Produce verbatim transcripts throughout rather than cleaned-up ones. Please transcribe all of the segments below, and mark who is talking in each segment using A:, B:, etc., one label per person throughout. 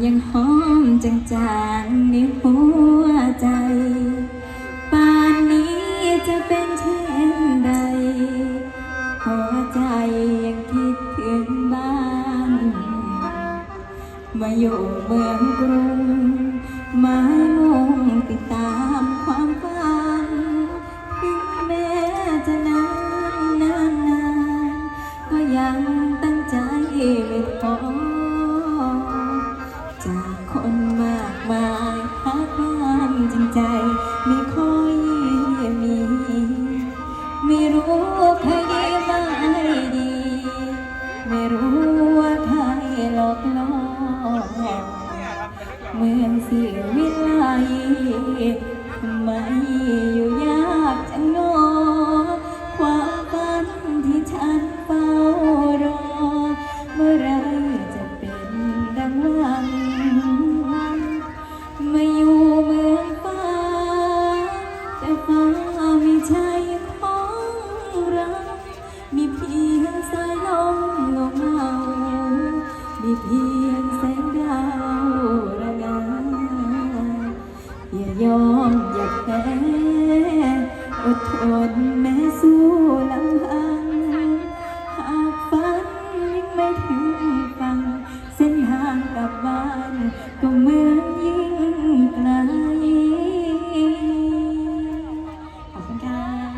A: ยังหอมจางๆในหัวใจป่านนี้จะเป็นเช่นใดหัวใจยังคิดถึงบ้านมาอยู่เมืองกรุงหมายมุ่งติดตามความฝันถึงแม้จะนานนานนานก็ยังตั้งใจไม่ท้อจากคนมากมายหาความจริงใจไม่ค่อยมีไม่รู้ใครดีไม่ดีไม่รู้ว่าใครหลอกล่อเมืองสิวิไลทำไมอยู่ยากจังโนความฝันที่ฉันเฝ้ารอเมื่อไรจะเป็นดังหวังมาอยู่เมืองฟ้าแต่ฟ้าไม่ใช่ของเรามีเพียงสายลมเงาเงามีเพียงแสงดาวระงาอย่ายอมอย่าแพ้อดทนแม้สู้ลำพังหากฝันยังไม่ถึงฝั่งเส้นทางกลับบ้านก็เหมือนยิ่งไกลขอบคุณค่ะ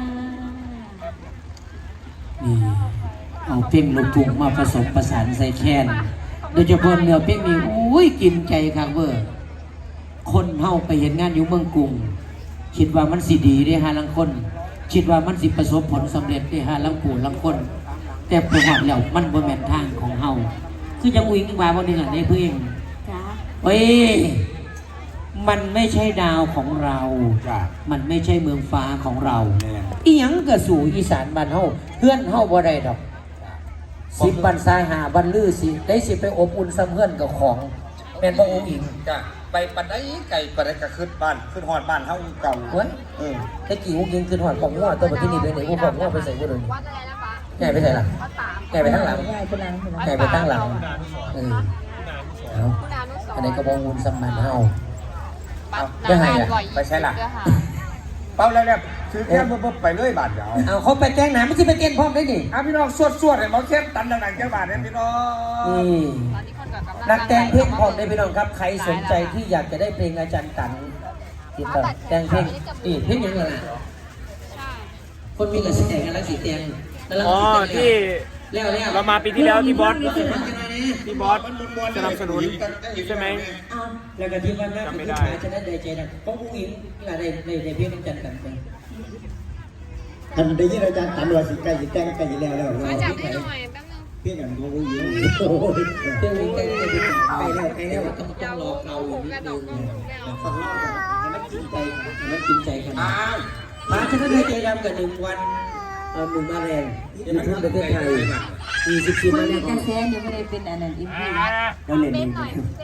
B: นี่เอาเพลงลูกทุ่งมาผสมประสานใส่แคนโดยเฉพาะเนื้อเพลงนี้อุ้ยกินใจคักเวอร์คนเฮาไปเห็นงานอยู่เมืองกรุงคิดว่ามันสิดีได้ฮะลังคนคิดว่ามันสิประสบผลสำเร็จได้ฮะลังปู่ลังคนแต่ประวัติแล้วมันบ่แม่นทางของเฮาคือจังอุ้งว่าบ่นึงอันนี้เพื่อนจ้าเอ้ยมันไม่ใช่ดาวของเรามันไม่ใช่เมืองฟ้าของเราอีหยังก็สู่อีสานบ้านเฮาเพื่อนเฮาบ่ได้ดอกสิบบันทรายหาบันลือสิได้สิไปอบอุ่นซ้ำเพื่อนกับของแม่นบ่องค์อิง
C: จ้ะไปปันได้ไก่ปันได้ก็ขึ้นบ้านขึ้นหอดบ้านเฮาเก่า
B: เว้ยเออตะกี้องค์อิงขึ้นหอดของงัวตัวบัดที่นี่ไปไหนผู้ของงัวไปใส่บ่ได้แก่ไปใส่หลังแก่ไปข้างหลังแก่ไปตั้งหลังเออเอาอันนี้ก็บ่อุ่นซ้ำบ้านเฮาจะให้อ่ะ
C: ไปใช่ล่ะเป้าแล้วเนี่ยคือแค่ปุ๊บไปเลยบาทเดียว
B: เอาเขาไปแจ้งหนาไม่ใช่ไปเกณฑ์พร้อมได้ดิ
C: อ่ะพี่น้องสวดสวดให้หมอเข้มตันดังๆแค่บาทเนี่ยพี่น้อง
B: นี่นักแต่งเพลงพร้อมได้พี่น้องครับใครสนใจที่อยากจะได้เพลงอาจารย์ตันติดต่อแต่งเพลงนี่เพลงยังไงล่ะคนมีกระแสกันแล้วสีแดง
D: อ๋อที่
B: แล้วแล้ว
D: เรามาปีที่แล้วที่บอสที่บอสสนับสนุนใช่ไหม
B: แล้วก็ที่ว่าหน้าผู้ชายจะได้ใจนะเพราะผู้หญิงอะไรในในเพลงอาจารย์ตันไป
E: ทันได้ยินอาจารย์ตันว่าสิใกล้สิแต่งใกล้สิแล้วแล้ว
F: มาจับให้หน่อยแป๊บนึง
E: เพี้ยนกันเขาผู้หญิง
B: เพื่อนวิ่งใกล้ใกล้แล้วใกล้แล้วต้องต้องรอเขาอยู่นิดนึง
E: ฟังเล่าให้มันกินใจ
B: ให้มันกินใจกันมาจะได้ใจดำกับหนึ่งวันหนึ่งมาแรงยูทูบประเทศไทยมีสิบสี่มาแรง
A: กระแสยังไม่ได้เป็นอันนั้นอีกที
E: แล้วเล่นนี่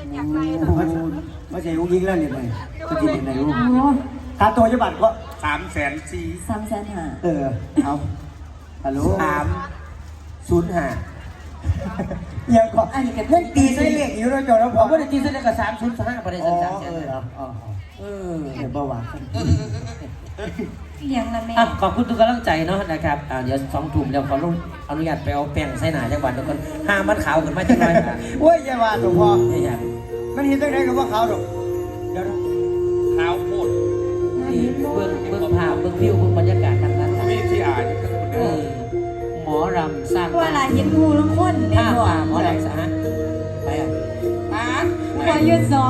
E: ไม่ใช่ผู้หญิงแล้วเนี่ยเลยจะกินยังไงรู้ค่าตัวจะบัตรก็
C: สามแสนสี่
A: สามแสนห้า
E: เออเอาฮัลโหล
B: สามศูนย์ห้า
E: ยังก็อันนี้กับเพื่อนตีใส่เลขอยู่แล้วจอแล้วพอ
B: ไม่ได้ตีใส่เลขกับสามศูนย์ห้าประเด็นสามแสน
E: อ๋อเออเดี๋ยวเบาหวาน
A: เลี้ยงละแม่
B: ขอบคุณทุกกำลังใจเนาะนะครับเดี๋ยวสองทุ่มเดี๋ยวขออนุญาตไปเอาแป้งใส่หนาจังหวัดทุกคนห้ามันขาวขึ้นมาจังเลย
E: โอ้ยอย่าว่าหลวงพ่อ
B: ไม่อยาก
E: มันเห็นตั้งแต่กับว่าขาวหรอก
C: เดี๋ยวขาวโคตร
B: เบื้องเบื้องภาพเบื้องวิวเบื้องบรรยากาศทางนั้น
C: มีที่อ่าน
B: หมอรำสร้าง
A: ว่าอะไรยิงงูละคน
B: เนี่ยหมอรำสะฮะไปอ่ะ
A: หัวยืดสอง